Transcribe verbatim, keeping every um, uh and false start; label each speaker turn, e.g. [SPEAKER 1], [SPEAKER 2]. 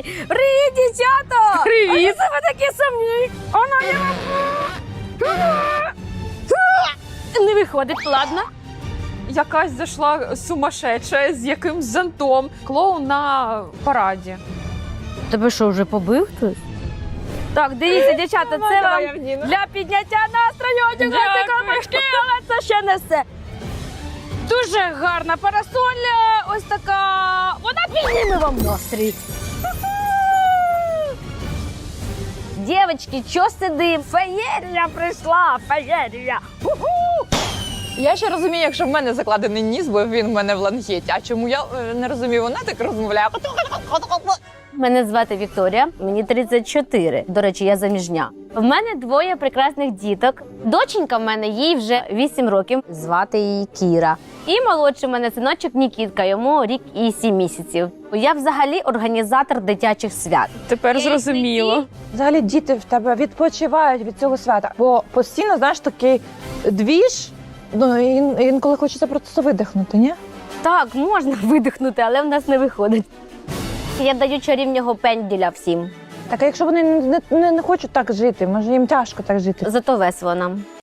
[SPEAKER 1] Привіт, дівчата!
[SPEAKER 2] Привіт!
[SPEAKER 1] А це ви такі сумні. Оно я вам... Не виходить, ладно.
[SPEAKER 2] Якась зайшла сумасшедша з якимсь зонтом. Клоун на параді.
[SPEAKER 1] Тебе що, вже побив хтось? Так, дивіться, дівчата, це
[SPEAKER 2] Давай,
[SPEAKER 1] вам
[SPEAKER 2] Євгеніна.
[SPEAKER 1] для підняття настрою. Одягайте колпачки, але це ще не все. Дуже гарна парасоля, ось така. Вона підніме вам настрій. Дівчатки, що сидим? Феєрія прийшла, феєрія.
[SPEAKER 2] Я ще розумію, якщо в мене закладений ніс, бо він в мене в лангеті. А чому я е, не розумію, вона так розмовляє.
[SPEAKER 1] Мене звати Вікторія, мені тридцять чотири. До речі, я заміжня. В мене двоє прекрасних діток. Доченька в мене, їй вже вісім років. Звати її Кіра. І молодший в мене синочок Нікітка, йому рік і сім місяців. Я взагалі організатор дитячих свят.
[SPEAKER 2] Тепер зрозуміло.
[SPEAKER 3] Взагалі діти в тебе відпочивають від цього свята, бо постійно, знаєш, такий двіж, ну ін- інколи хочеться просто видихнути, ні?
[SPEAKER 1] Так, можна видихнути, але в нас не виходить. Я даю чарівнього пенділя всім.
[SPEAKER 3] Так, а якщо вони не, не, не хочуть так жити, може їм тяжко так жити?
[SPEAKER 1] Зато весело нам.